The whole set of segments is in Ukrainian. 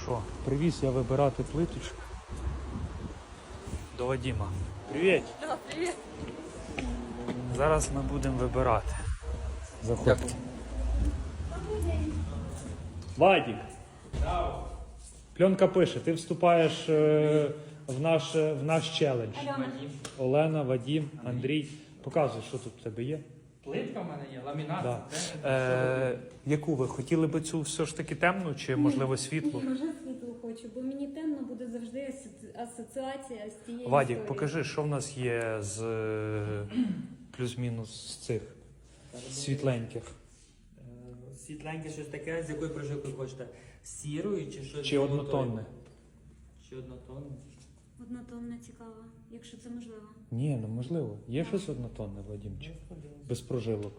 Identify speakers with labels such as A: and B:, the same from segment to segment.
A: Що, привіз я вибирати плиточку до Вадима. Привіт!
B: Да, привіт.
A: Зараз ми будемо вибирати. Заходь. Вадик! Пленка пише, ти вступаєш в наш челендж. Олена, Вадим, Андрій. Показуй, що тут в тебе є.
C: Плитка в мене є, ламінат.
A: Да. Яку ви? Хотіли би цю все ж таки темну чи, можливо, світлу?
B: Ні, вже світло хочу, бо мені темно буде завжди асоціація з тією
A: Вадик,
B: історією.
A: покажи, що в нас є з плюс-мінус з цих світленьких.
C: Світленьке щось таке, з якою прожилкою хочете? З сірою чи щось?
A: Чи однотонне?
C: Чи однотонне?
B: Однотонна цікава, якщо це можливо.
A: Ні, ну можливо. Є щось однотонне, Вадимчик? Без прожилок.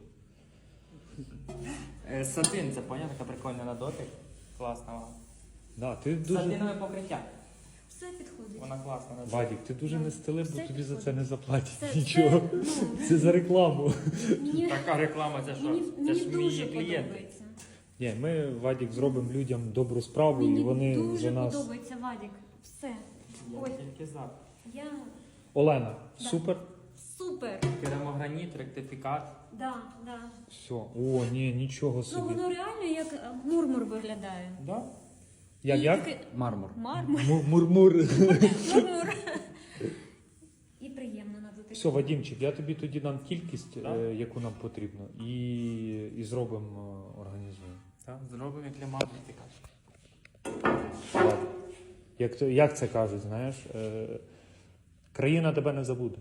C: Сатин, це поняв, така прикольна на дотик. Класна вона.
A: Да, ти дуже...
C: Сатинове покриття.
B: Все підходить.
C: Вона класна на дотик.
A: Вадик, ти дуже не стелив, бо
B: Все
A: тобі за це
B: підходить.
A: не заплатять
B: Все,
A: нічого.
B: ну,
A: Це за рекламу.
B: Мені,
C: Така реклама, це що?
B: мені,
C: Це
B: мені
C: ж
B: дуже
C: мої клієнти.
B: подобається.
A: Ні, ми, Вадик, зробимо людям добру справу, і
B: Мені
A: вони
B: дуже
A: за нас...
B: подобається, Вадик. Все.
C: Я
B: Ой,
C: тільки за.
B: я
A: Олена,
B: Да.
A: супер?
B: супер.
C: Керамограніт, ректифікат.
B: Да, да.
A: Все. О, ні, нічого
B: Ну,
A: собі.
B: воно реально як мурмур виглядає.
C: Да?
A: Як?
B: таке-
C: Мармур.
B: Мармур.
A: Мурмур.
B: Мурмур. І приємно на дотик.
A: Все, Вадимчик, я тобі тоді дам кількість,
C: Да.
A: яку нам потрібно, і зробимо, організуємо.
C: Так, зробимо як для ректифікат.
A: Ладно. Як це кажуть, знаєш? Країна тебе не забуде.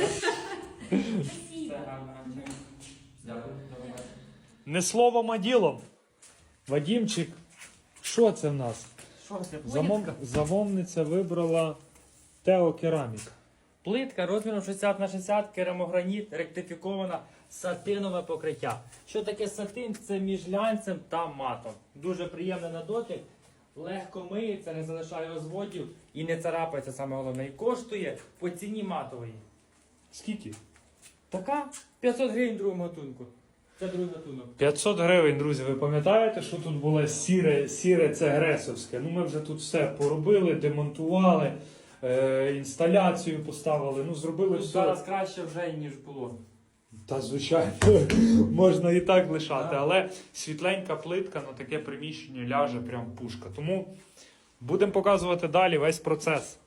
C: Це гарно. Дякую.
A: Не словом, а ділом. Вадимчик, що це в нас?
C: Що це?
A: Замовниця вибрала Тео Керамік.
C: Плитка розміром 60 на 60, керамограніт, ректифікована, сатинове покриття. Що таке сатин? Це між глянцем та матом. Дуже приємне на дотик, легко миється, не залишає розводів і не царапається, саме головне. І коштує по ціні матової.
A: Скільки?
C: Така 500 гривень другому гатунку. Це другий гатунок.
A: 500 гривень, друзі. Ви пам'ятаєте, що тут було сіре це гресовське? Ну ми вже тут все поробили, демонтували, інсталяцію поставили, ну зробили все.
C: Зараз краще вже, ніж було.
A: Та звичайно, можна і так лишати, але світленька плитка на таке приміщення ляже прям пушка. Тому будемо показувати далі весь процес.